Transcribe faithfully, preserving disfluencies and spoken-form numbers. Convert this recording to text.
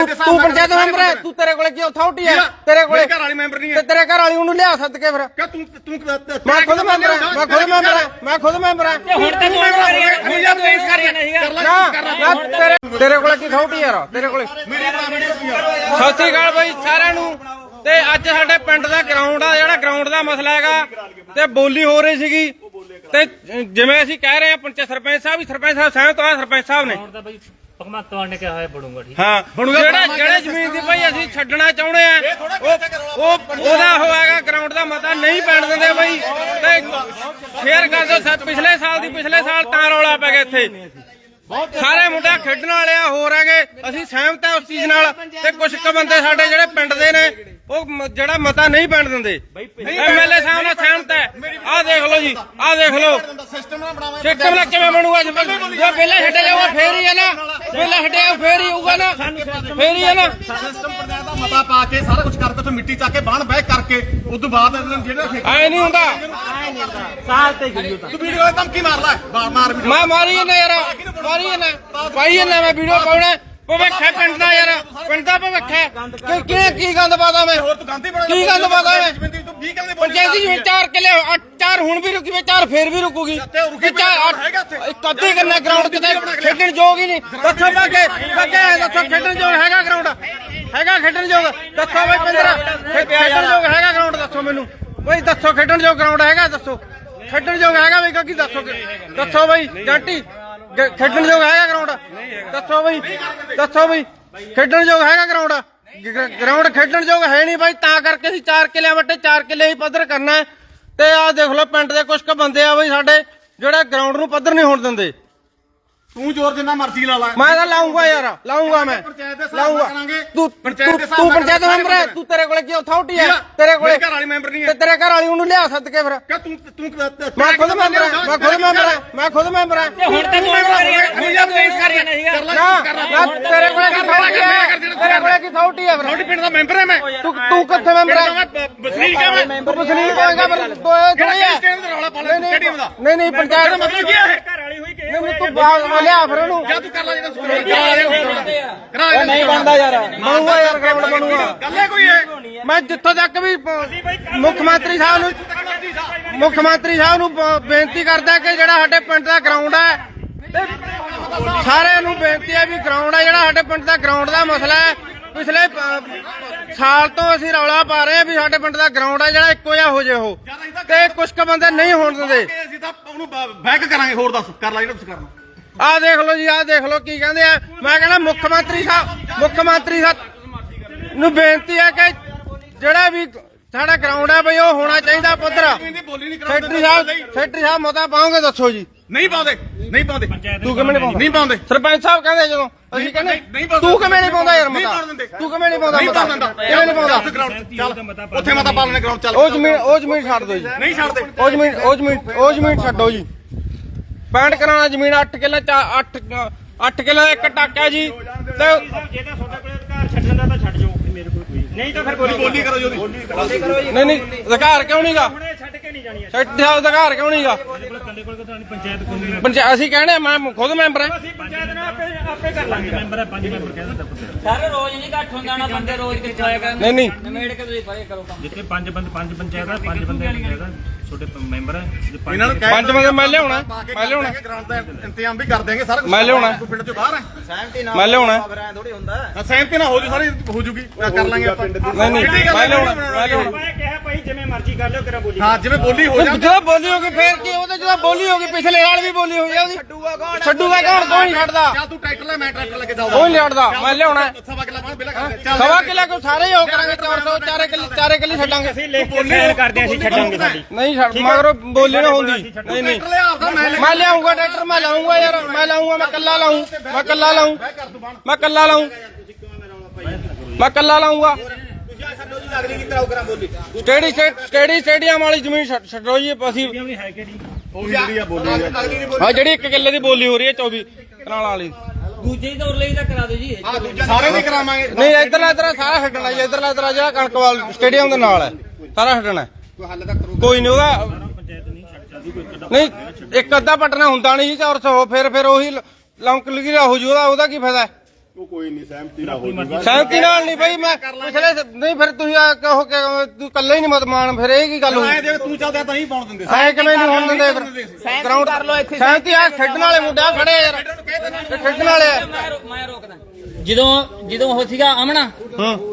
ਤੂੰ ਪੰਚਾਇਤ ਮੈਂਬਰ ਹੈ, ਤੂੰ ਤੇਰੇ ਕੋਲੇ ਕੀ ਅਥਾਰਟੀ ਹੈ? ਤੇਰੇ ਕੋਲੇ ਘਰ ਵਾਲੀ ਮੈਂਬਰ ਨਹੀਂ ਹੈ ਤੇ ਤੇਰੇ ਘਰ ਵਾਲੀ ਉਹਨੂੰ ਲਿਆ ਸੱਦ ਕੇ ਫਿਰ। ਕਿ ਤੂੰ ਤੂੰ ਮੈਂ ਖੁਦ ਮੈਂਬਰ ਹਾਂ, ਮੈਂ ਖੁਦ ਮੈਂਬਰ ਹਾਂ, ਮੈਂ ਖੁਦ ਮੈਂਬਰ ਹਾਂ। ਹੁਣ ਤਾਂ ਤੂੰ ਕਰੀ ਯਾਰ ਪੇਸ਼ ਕਰ ਰਿਹਾ ਨਹੀਂ ਨਾ ਤੇਰੇ ਤੇਰੇ ਕੋਲੇ ਕੀ ਅਥਾਰਟੀ ਯਾਰ? ਤੇਰੇ ਕੋਲੇ। ਸਤਿ ਸ੍ਰੀ ਅਕਾਲ ਬਾਈ ਸਾਰਿਆਂ ਨੂੰ। ਤੇ ਅੱਜ ਸਾਡੇ ਪਿੰਡ ਦਾ ਗਰਾਊਂਡ ਆ, ਜਿਹੜਾ ਗਰਾਊਂਡ ਦਾ ਮਸਲਾ ਹੈਗਾ ਤੇ ਬੋਲੀ ਹੋ ਰਹੀ ਸੀਗੀ ਤੇ ਜਿਵੇਂ ਅਸੀਂ ਕਹਿ ਰਹੇ ਆ ਪੰਚ ਸਰਪੰਚ ਸਾਹਿਬ ਵੀ ਸਰਪੰਚ ਸਾਹਿਬ ਸਹਿਮਤ ਆ। ਸਰਪੰਚ ਸਾਹਿਬ ਨੇ ਭਗਵੰਤ ਮਾਨ ਨੇ ਕਿਹਾ ਹੋਇਆ ਬਣੂਗਾ ਠੀਕ ਹਾਂ, ਜਿਹੜਾ ਜਿਹੜੇ ਜ਼ਮੀਨ ਦੀ ਭਾਈ ਅਸੀਂ ਛੱਡਣਾ ਚਾਹੁੰਦੇ ਆ ਉਹ ਉਹ ਉਹਦਾ ਹੋਏਗਾ ਗਰਾਊਂਡ ਦਾ ਮਤਾ ਨਹੀਂ ਪੈਣ ਦਿੰਦੇ ਬਾਈ। ਤੇ ਸ਼ੇਅਰ ਕਰ ਦਿਓ। ਪਿਛਲੇ ਸਾਲ ਦੀ ਪਿਛਲੇ ਸਾਲ ਤਾਂ ਰੌਲਾ ਪੈ ਗਿਆ ਇੱਥੇ। ਸਾਰੇ ਮੁੰਡੇ ਖੇਡਣ ਵਾਲੇ ਆ, ਹੋਰ ਹੈਗੇ। ਅਸੀਂ ਸਹਿਮਤ ਆ ਉਸ ਚੀਜ਼ ਨਾਲ। ਤੇ ਕੁਝ ਕੁ ਬੰਦੇ ਸਾਡੇ ਜਿਹੜੇ ਪਿੰਡ ਦੇ ਨੇ ਉਹ ਜਿਹੜਾ ਮਤਾ ਨਹੀਂ ਪੈਣ ਦਿੰਦੇ। ਐਮਐਲਏ ਸਾਹਿਬ ਨਾਲ ਸਹਿਮਤ ਹੈ। ਆਹ ਦੇਖ ਲਓ ਜੀ, ਆਹ ਦੇਖ ਲਓ ਸਿਸਟਮ ਨਾਲ ਕਿਵੇਂ ਬਣੂਗਾ। ਜੇ ਪਹਿਲਾਂ ਛੱਡਿਆ ਜਾਊਗਾ ਫੇਰ ਹੀ ਹੈ ਨਾ, ਪਹਿਲਾਂ ਛੱਡਿਆ ਫੇਰ ਹੀ ਹੋਊਗਾ ਨਾ, ਫੇਰ ਹੀ ਹੈ ਨਾ। ਸਿਸਟਮ ਪੰਚਾਇਤ ਦਾ ਮਤਾ ਪਾ ਕੇ ਸਾਰਾ ਕੁਝ ਕਰਕੇ ਉੱਥੇ ਮਿੱਟੀ ਚੱਕ ਕੇ ਬਾਹਣ ਬਹਿ ਕਰਕੇ ਉਸ ਤੋਂ ਬਾਅਦ ਜਿਹੜਾ ਐ ਨਹੀਂ ਹੁੰਦਾ। ਸਾਲ ਤੇ ਗਈ ਤੂੰ ਵੀਡੀਓ ਤੇ ਧਮਕੀ ਮਾਰ ਲੈ, ਮਾਰ ਮੈਂ ਮਾਰੀ ਜਾਂਦਾ ਯਾਰ, ਮਾਰੀ ਜਾਂਦਾ ਭਾਈ ਜਾਂਦਾ। ਮੈਂ ਵੀਡੀਓ ਪਾਉਣਾ ਭਵਿੱਖ ਹੈ ਪਿੰਡ ਦਾ ਯਾਰ, ਪਿੰਡ ਦਾ ਭਵਿੱਖ ਹੈ। ਕੀ ਕੀ ਗੰਦ ਪਾਦਾ ਮੈਂ? ਹੋਰ ਤੂੰ ਗਾਂਧੀ ਬਣਾ ਕੀ ਗੰਦ ਪਾਦਾ ਮੈਂ? ਤੂੰ ਵੀਹ ਕਿੱਲੇ ਪੰਚਾਇਤੀ ਜ਼ਮੀਨ ਚਾਰ ਕਿੱਲੇ, ਚਾਰ ਹੁਣ ਵੀ ਰੁਕੀ ਵੇ, ਚਾਰ ਫੇਰ ਵੀ ਰੁਕੂਗੀ। ਇੱਕ ਅੱਧੀ ਕਰਨਾ ਗਰਾਊਂਡ ਕਿਤੇ ਖੇਡਣ ਯੋਗ ਹੀ ਨਹੀਂ। ਦੱਸੋ ਬਾਕੇ ਬਾਕੇ ਦੱਸੋ ਖੇਡਣ ਯੋਗ ਹੈਗਾ ਗਰਾਊਂਡ? ਹੈਗਾ ਖੇਡਣ ਯੋਗ? ਦੱਸੋ ਬਈ ਪੰਦਰਾਂ ਖੇਡਣ ਯੋਗ ਹੈਗਾ ਗਰਾਊਂਡ? ਦੱਸੋ ਮੈਨੂੰ ਬਈ, ਦੱਸੋ ਖੇਡਣ ਯੋਗ ਗਰਾਊਂਡ ਹੈਗਾ? ਦੱਸੋ ਖੇਡਣ ਯੋਗ ਹੈਗਾ ਬਈ? ਕੀ ਦੱਸੋ ਦੱਸੋ ਬਈ ਜੰਟੀ, ਖੇਡਣ ਯੋਗ ਹੈਗਾ ਗਰਾਊਂਡ? ਦੱਸੋ ਬਈ, ਦੱਸੋ ਬਈ ਖੇਡਣ ਯੋਗ ਹੈਗਾ ਗਰਾਊਂਡ? ਗਰਾਊਂਡ ਖੇਡਣ ਯੋਗ ਹੈ ਨਹੀਂ ਬਾਈ। ਤਾਂ ਕਰਕੇ ਅਸੀਂ ਚਾਰ ਕਿੱਲਿਆਂ ਵੱਟੇ ਚਾਰ ਕਿੱਲੇ ਹੀ ਪੱਧਰ ਕਰਨਾ ਹੈ। ਤੇ ਆਹ ਦੇਖ ਲਓ ਪਿੰਡ ਦੇ ਕੁਝ ਕੁ ਬੰਦੇ ਆ ਬਈ ਸਾਡੇ ਜਿਹੜੇ ਗਰਾਊਂਡ ਨੂੰ ਪੱਧਰ ਨਹੀਂ ਹੋਣ ਦਿੰਦੇ। ਤੂੰ ਜ਼ੋਰ ਜਿੰਨਾ ਮਰਜ਼ੀ ਲਾ ਲੈ, ਮੈਂ ਤਾਂ ਲਾਉਂਗਾ ਯਾਰ, ਲਾਉਂਗਾ ਮੈਂ ਲਾਉਂਗਾ। ਤੂੰ ਤੂੰ ਪੰਚਾਇਤ ਮੈਂਬਰ ਹੈ, ਤੂੰ ਤੇਰੇ ਕੋਲੇ ਕੀ ਅਥਾਰਟੀ ਹੈ? ਤੇਰੇ ਕੋਲੇ ਘਰ ਵਾਲੀ ਮੈਂਬਰ ਨਹੀਂ ਤੇ ਹੈ ਤੇਰੇ ਘਰ ਵਾਲੀ ਉਹਨੂੰ ਲਿਆ ਸੱਦ ਕੇ ਫਿਰ। ਕਿ ਤੂੰ ਤੂੰ ਮੈਂ ਖੁਦ ਮੈਂਬਰ ਹਾਂ, ਮੈਂ ਖੁਦ ਮੈਂਬਰ ਹਾਂ, ਮੈਂ ਖੁਦ ਮੈਂਬਰ ਹਾਂ। ਹੁਣ ਤਾਂ ਤੂੰ ਕਰੀ ਯਾਰ ਪੇਸ਼ ਕਰ ਰਿਹਾ ਨਹੀਂ ਨਾ ਤੇਰੇ ਕੋਲੇ ਕੀ ਅਥਾਰਟੀ ਹੈ? ਤੇਰੇ ਕੋਲੇ ਕੀ ਅਥਾਰਟੀ ਹੈ ਫਿਰ? ਤੁਹਾਡੇ ਪਿੰਡ ਦਾ ਮੈਂਬਰ ਹੈ ਮੈਂ। ਤੂੰ ਤੂੰ ਕਿੱਥੇ ਮੈਂਬਰ ਹੈ? ਵਸਨੀਕ ਹੈ ਮੈਂ। ਤੂੰ ਵਸਨੀਕ ਹੋਏਗਾ ਪਰ ਥੋੜੀ ਹੈ। ਰੌਲਾ ਪਾ ਲੈ ਸਟੇਡੀਅਮ ਦਾ। ਨਹੀਂ ਨਹੀਂ ਪੰਚਾਇਤ ਦਾ ਮਤਲਬ ਕੀ ਹੈ? ਘਰ ਵਾਲੀ ਹੋਈ ਕਿ ਨਹੀਂ ਤੂੰ ਬਾਹਰ ਲਿਆ ਫਿਰ ਉਹਨੂੰ। ਜਾਂ ਤੂੰ ਕਰ ਲੈ ਜਿਹੜਾ ਸਕੂਲ ਨਹੀਂ ਬਣਦਾ ਯਾਰ, ਬਣੂਗਾ ਯਾਰ ਗਰਾਊਂਡ ਬਣੂਗਾ। ਗੱਲ ਹੈ ਕੋਈ ਹੈ? ਮੈਂ ਜਿੱਥੋਂ ਤੱਕ ਵੀ ਮੁੱਖ ਮੰਤਰੀ ਸਾਹਿਬ ਨੂੰ ਮੁੱਖ ਮੰਤਰੀ ਸਾਹਿਬ ਨੂੰ ਬੇਨਤੀ ਕਰਦਾ ਕਿ ਜਿਹੜਾ ਸਾਡੇ ਪਿੰਡ ਦਾ ਗਰਾਊਂਡ ਹੈ, ਤੇ ਸਾਰਿਆਂ ਨੂੰ ਬੇਨਤੀ ਹੈ ਵੀ ਗਰਾਊਂਡ ਹੈ ਜਿਹੜਾ ਸਾਡੇ ਪਿੰਡ ਦਾ ਗਰਾਊਂਡ ਦਾ ਮਸਲਾ ਹੈ। ਪਿਛਲੇ ਸਾਲ ਤੋਂ ਅਸੀਂ ਰੌਲਾ ਪਾ ਰਹੇ ਹਾਂ ਵੀ ਸਾਡੇ ਪਿੰਡ ਦਾ ਗਰਾਊਂਡ ਹੈ ਜਿਹੜਾ ਇੱਕੋ ਜਿਹਾ ਹੋ ਜੇ ਉਹ। ਤੇ ਕੁਝ ਕੁ ਬੰਦੇ ਨਹੀਂ ਹੋਣ ਦਿੰਦੇ। ਅਸੀਂ ਤਾਂ ਉਹਨੂੰ ਬੈਕ ਕਰਾਂਗੇ। ਹੋਰ ਦੱਸ ਕਰ ਲੈ ਜਿਹੜਾ ਤੁਸੀਂ ਕਰਨਾ। ਆਹ ਦੇਖ ਲਓ ਜੀ, ਆਹ ਦੇਖ ਲਓ ਕੀ ਕਹਿੰਦੇ ਆ। ਮੈਂ ਕਹਿੰਦਾ ਮੁੱਖ ਮੰਤਰੀ ਸਾਹਿਬ ਮੁੱਖ ਮੰਤਰੀ ਸਾਹਿਬ ਨੂੰ ਬੇਨਤੀ ਹੈ ਕਿ ਜਿਹੜਾ ਵੀ ਸਾਡਾ ਗਰਾਊਂਡ ਹੈ ਬਈ ਉਹ ਹੋਣਾ ਚਾਹੀਦਾ ਪੱਧਰ। ਸੈਕਟਰੀ ਸਾਹਿਬ ਸੈਕਟਰੀ ਸਾਹਿਬ ਮਤਾ ਪਾਓਗੇ? ਦੱਸੋ ਜੀ। ਨਹੀਂ ਪਾਉਂਦੇ, ਨਹੀਂ ਪਾਉਂਦੇ। ਤੂੰ ਕਿਵੇਂ ਨਹੀਂ ਪਾਉਂਦਾ? ਨਹੀਂ ਪਾਉਂਦੇ। ਸਰਪੰਚ ਸਾਹਿਬ ਕਹਿੰਦੇ ਜਦੋਂ ਅਸੀਂ ਕਹਿੰਦੇ ਤੂੰ ਕਿਵੇਂ ਨਹੀਂ ਪਾਉਂਦਾ ਯਾਰ ਮਤਾ? ਤੂੰ ਕਿਵੇਂ ਨਹੀਂ ਪਾਉਂਦਾ ਮਤਾ? ਕਿਵੇਂ ਨਹੀਂ ਪਾਉਂਦਾ? ਚੱਲ ਉੱਥੇ ਮਤਾ ਪਾ ਲੈਣੇ ਗਰਾਊਂਡ ਚੱਲ। ਉਹ ਜ਼ਮੀਨ ਉਹ ਜ਼ਮੀਨ ਛੱਡ ਦਿਓ ਜੀ। ਨਹੀਂ ਛੱਡਦੇ। ਉਹ ਜ਼ਮੀਨ ਉਹ ਜ਼ਮੀਨ ਉਹ ਜ਼ਮੀਨ ਛੱਡੋ ਜੀ। ਪੈਂਟ ਕਰਾਉਣਾ ਜ਼ਮੀਨ ਅੱਠ ਕਿੱਲੇ ਅੱਠ ਅੱਠ ਕਿੱਲੇ ਇੱਕ ਟਾਕਾ ਜੀ। ਤੇ ਜੇ ਤਾਂ ਤੁਹਾਡੇ ਕੋਲ ਅਧਿਕਾਰ ਛੱਡਣ ਦਾ ਤਾਂ ਛੱਡ ਜਾਓ, ਮੇਰੇ ਕੋਲ ਕੋਈ ਨਹੀਂ ਤਾਂ ਫਿਰ ਬੋਲੀ ਬੋਲੀ ਕਰੋ ਜੀ। ਨਹੀਂ ਨਹੀਂ ਅਧਿਕਾਰ ਕਿਉਂ ਨਹੀਂਗਾ? ਹੁਣੇ ਛੱਡ ਕੇ ਨਹੀਂ ਜਾਣੀ। ਸੈਕਟਰੀ ਸਾਹਿਬ ਅਧਿਕਾਰ ਕਿਉਂ ਨਹੀਂਗਾ? ਕੰਡੇ ਕੋਲ ਤਾਂ ਪੰਚਾਇਤ ਕੋਲ ਨਹੀਂ। ਪੰਚਾਇਤ ਅਸੀਂ ਕਹਿੰਦੇ ਮੈਂ ਖੁਦ ਮੈਂਬਰ ਹਾਂ। ਅਸੀਂ ਪੰਚਾਇਤ ਨਾਲ ਆਪੇ ਆਪੇ ਕਰ ਲਾਂਗੇ। ਮੈਂਬਰ ਹੈ, ਪੰਜ ਮੈਂਬਰ ਕਹਿ ਦਿੰਦਾ ਪੁੱਤ। ਸਾਰੇ ਰੋਜ਼ ਨਹੀਂ ਇਕੱਠ ਹੁੰਦਾ ਨਾ, ਬੰਦੇ ਰੋਜ਼ ਕਿੱਥੇ ਆਏਗਾ? ਨਹੀਂ ਨਹੀਂ ਨਵੇੜ ਕੇ ਤੁਸੀਂ ਪਰੇ ਕਰੋ ਕੰਮ। ਜਿੱਥੇ ਪੰਜ ਬੰਦੇ ਪੰਜ ਪੰਚਾਇਤ ਆ, ਪੰਜ ਬੰਦੇ ਪੰਚਾਇਤ ਆ, ਛੋਟੇ ਮੈਂਬਰ ਹੈ। ਇਹਨਾਂ ਨੂੰ ਪੰਜ ਬੰਦੇ ਮੈਂ ਲਿਆਉਣਾ, ਮੈਂ ਲਿਆਉਣਾ। ਗਰਾਊਂਡ ਦਾ ਇੰਤਜ਼ਾਮ ਵੀ ਕਰ ਦੇਂਗੇ ਸਾਰਾ ਕੁਝ। ਮੈਂ ਲਿਆਉਣਾ। ਤੂੰ ਪਿੰਡ ਚੋਂ ਬਾਹਰ ਹੈ। ਮੈਂ ਲਿਆਉਣਾ। ਥੋੜੀ ਹੁੰਦਾ ਹਾਂ ਸਹਿਮਤੀ ਨਾਲ ਹੋ ਜੂ, ਸਾਰੀ ਹੋ ਜੂਗੀ। ਕਰ ਲਾਂਗੇ ਆਪਾਂ। ਨਹੀਂ ਨਹੀਂ ਮੈਂ ਲਿਆਉਣਾ, ਮੈਂ ਲਿਆਉਣਾ। ਮੈਂ ਕਿਹਾ ਭਾਈ ਜਿਵੇਂ ਮਰਜ਼ੀ ਕਰ ਲਿਓ, ਕਿਹੜਾ ਬੋਲੀ। ਹਾਂ ਜਿਵੇਂ ਬੋਲੀ ਹੋ ਜਾ। ਜਦੋਂ ਬੋਲੀ ਹੋ ਗਈ ਫੇਰ ਕੀ? ਉਹਦੇ ਜਦੋਂ ਬੋਲੀ ਹੋ ਗਈ ਪਿਛਲੇ ਸਾਲ ਵੀ ਬੋਲੀ ਹੋਈ ਆ ਉਹਦੀ। ਛੱਡੂਗਾ ਕੌਣ? ਛੱਡੂਗਾ ਕੌਣ? ਕੋਈ ਨਹੀਂ ਛੱਡਦਾ। ਜਾਂ ਤੂੰ ਟਰੈਕਟਰ ਲੈ, ਮੈਂ ਟਰੈਕਟਰ ਲੈ ਕੇ ਜਾਊਂਗਾ। ਕੋਈ ਨਹੀਂ ਛੱਡਦਾ। ਮੈਂ ਲਿਆਉਣਾ। ਸਵਾ ਕਿੱਲਾ ਬਾਹਰ ਬਿਲਾ ਕਰ ਚੱਲ। ਸਵਾ ਕਿੱਲਾ ਕੋ ਸਾਰੇ ਹੀ ਹੋ ਕਰਾਂਗੇ। ਚਾਰ ਸੌ ਚਾਰੇ ਕਿੱਲੇ ਚਾਰੇ ਕਿੱਲੇ ਛੱਡਾਂਗੇ। ਅਸੀਂ ਲਿਖ ਕੇ ਸਾਈਨ ਕਰਦੇ, ਅਸੀਂ ਛੱਡਾਂਗੇ ਸਾਡੀ। ਨਹੀਂ ਛੱਡ ਮਗਰੋਂ ਬੋਲੀ ਨਾ ਹੁੰਦੀ। ਨਹੀਂ ਨਹੀਂ ਟਰੈਕਟਰ ਲੈ ਆਪਦਾ ਮੈਂ ਲੈ ਮੈਂ ਲਿਆਉਂਗਾ ਟਰੈਕਟਰ। ਮੈਂ ਲਾਉਂਗਾ ਯਾਰ, ਮੈਂ ਲਾਉਂਗਾ। ਮੈਂ ਕੱਲਾ ਲਾਉਂ, ਮੈਂ ਕੱਲਾ ਲਾਉਂ, ਮੈਂ ਕੱਲਾ ਲਾਉਂ, ਮੈਂ ਕੱਲਾ ਲਾਉਂਗਾ। ਸਟੇਡੀ ਸਟੇਡੀ ਸਟੇਡੀਅਮ ਵਾਲੀ ਜ਼ਮੀਨ ਛੱਡੋ ਜੀ। ਅਸੀਂ ਹੈ ਕਿਹੜੀ ਉਹ ਜਿਹੜੀ ਆ ਬੋਲੀ ਹਾਂ ਜਿਹੜੀ ਇੱਕ ਕਿੱਲੇ ਦੀ ਬੋਲੀ ਹੋ ਰਹੀ ਹੈ ਚੌਵੀ ਕਨਾਲ ਵਾਲੀ। ਦੂਜੇ ਦੌਰ ਲਈ ਤਾਂ ਕਰਾ ਦਿਓ ਜੀ। ਸਾਰੇ ਨਹੀਂ ਕਰਾਵਾਂਗੇ। ਨਹੀਂ ਇਧਰਲਾ ਇਧਰ ਸਾਰਾ ਛੱਡਣਾ ਜੀ। ਇਧਰਲਾ ਇਧਰ ਜਿਹੜਾ ਕਣਕਵਾਲ ਸਟੇਡੀਅਮ ਦੇ ਨਾਲ ਹੈ ਸਾਰਾ ਛੱਡਣਾ। ਕੋਈ ਨਹੀਂ ਉਹਦਾ ਨਹੀਂ ਇੱਕ ਅੱਧਾ ਪਟਨਾ ਹੁੰਦਾ ਨਹੀਂ ਜੀ। ਚਾਰ ਸੌ ਫਿਰ ਫਿਰ ਉਹੀ ਲੌਂਕ ਲਗੀ ਹੋ ਜੂ। ਉਹਦਾ ਉਹਦਾ ਕੀ ਫਾਇਦਾ? ਉਹ ਕੋਈ ਨਹੀਂ ਸਹਿਮਤੀ ਨਾਲ ਹੋ ਜਾਊਗਾ। ਸਹਿਮਤੀ ਨਾਲ ਨਹੀਂ ਬਈ ਮੈਂ ਪਿਛਲੇ ਨਹੀਂ ਫਿਰ ਤੁਸੀਂ ਆ ਕਹੋ ਕਿ ਤੂੰ ਇਕੱਲੇ ਹੀ ਨਹੀਂ ਮਤ ਮਾਨ ਫਿਰ ਇਹ ਕੀ ਗੱਲ ਹੋਈ ਐ ਜੇ ਤੂੰ ਚੱਲਦਾ ਤਾਂ ਨਹੀਂ ਪਾਉਣ ਦਿੰਦੇ ਐ ਕਿਵੇਂ ਨਹੀਂ ਹੋਣ ਦਿੰਦੇ ਫਿਰ ਗਰਾਊਂਡ ਕਰ ਲੋ ਇੱਥੇ ਸਹਿਮਤੀ ਆ ਖੇਡਣ ਵਾਲੇ ਮੁੰਡੇ ਆ ਖੜੇ ਯਾਰ ਖੇਡਣ ਵਾਲੇ ਆ। ਮੈਂ ਰੋ- ਮੈਂ ਰੋਕਦਾ ਜਦੋਂ ਜਦੋਂ ਉਹ ਸੀਗਾ ਅਮਨਾ